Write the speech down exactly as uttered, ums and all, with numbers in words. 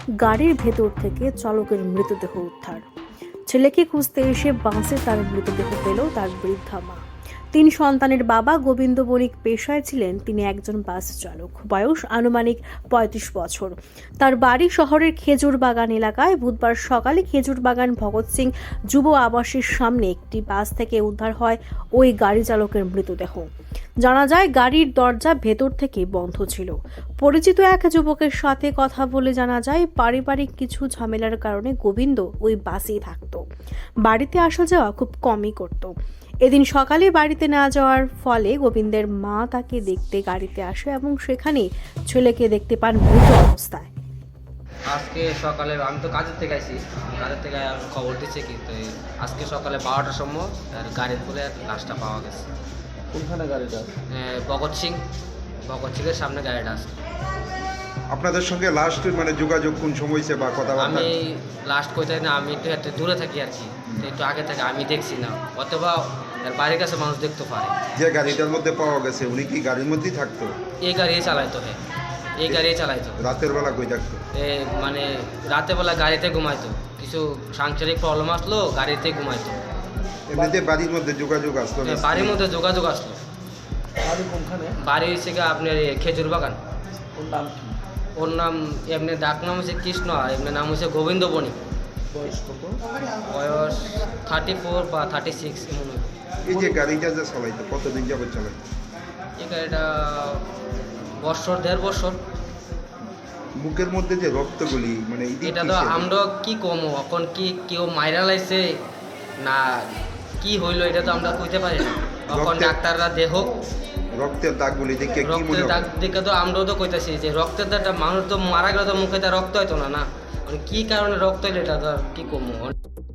গাড়ির ভেতর থেকে চালকের মৃতদেহ উদ্ধার। ছেলেকে খুঁজতে এসে বাসে তার মৃতদেহ পেল তার বৃদ্ধা মা। তিন সন্তানের বাবা গোবিন্দ বণিক পেশায় ছিলেন তিনি একজন বাস চালক। বয়স আনুমানিক পঁয়ত্রিশ বছর। তার বাড়ি শহরের খেজুর বাগান এলাকায়। বুধবার সকালে খেজুর বাগান ভগৎ সিং যুব আবাসের সামনে একটি বাস থেকে উদ্ধার হয় ওই গাড়ি চালকের মৃতদেহ। জানা যায় গাড়ির দরজা ভেতর থেকে বন্ধ ছিল। পরিচিত এক যুবকের সাথে কথা বলে জানা যায় পারিবারিক কিছু ঝামেলার কারণে গোবিন্দ ওই বাসেই থাকতো। বাড়িতে আসা যাওয়া খুব কমই করত। এদিন সকালে বাড়িতে না যাওয়ার ফলে গোবিন্দের মা তাকে দেখতে গাড়িতে আসে এবং সেখানে ছেলেকে দেখতে পান মৃত অবস্থায়। আজকে সকালে আমি তো কাজের থেকে আসি, কাজের থেকে খবর দিচ্ছে কিন্তু আজকে সকালে বারোটার সময় আর গাড়ির বলে লাশটা পাওয়া গেছে। কোনখানে গাড়িটা? এ, ভগৎ সিং ভগৎ সিংয়ের সামনে গাড়িটা আছে। আপনাদের সঙ্গে লাস্ট মানে যোগাযোগ কোন সময় হয়েছে বা কথাবার্তা? আমি লাস্ট কোথায় না, আমি একটু একটু দূরে থাকি আর কি, তো একটু আগে থেকে আমি দেখছি না, অথবা এর বাড়ির কাছে মানুষ দেখতে পারে। যে গাড়িটার মধ্যে পাওয়া গেছে উনি কি গাড়ির মধ্যেই থাকতো? এই গাড়ি চালাইতো, হ্যাঁ এই গাড়ি চালাইতো। রাতের বেলা কই থাকতো? এ মানে রাতেবেলা গাড়িতে ঘুমাইতো, কিছু সাংসারিক প্রবলেম আসলো গাড়িতে ঘুমাইতো। এমনিতে বাড়ির মধ্যে যোগাযোগ আসলো না? এ, বাড়ির মধ্যে যোগাযোগ আসলো। বাড়ি কোনখানে? বাড়ি হচ্ছে গিয়ে আপনার এ, খেজুর বাগান। ওর নাম কি? ওর নাম এমনি ডাক নাম হচ্ছে কৃষ্ণ, আর এমনি নাম হচ্ছে গোবিন্দ বণিক। বয়স কত? বয়স থার্টি ফোর বা থার্টি সিক্স এমন হবে। এই যে গাড়িটা যে চালাইতো কতদিন যাবত চালাইতো? এই গাড়িটা বছর দেড় বছর। বুকের মধ্যে যে রক্তগুলি মানে এদিক এটা তো কিসের? আমরা কি কমো এখন, কি কেউ মাইরা লাইছে না কি হইলো এটা তো আমরা কইতে পারি না। এখন রক্তের- ডাক্তাররা দেহ রক্তের দাগগুলি দেখে কি মনে রক্তের দাগ হয়? দেখে তো আমরাও তো কইতাছি যে রক্তের দাগটা মানুষ তো মারা গেলে তো মুখে তার রক্ত হইতো না না, মানে কি কারণে রক্ত হইলো এটা তো আর কি কমো।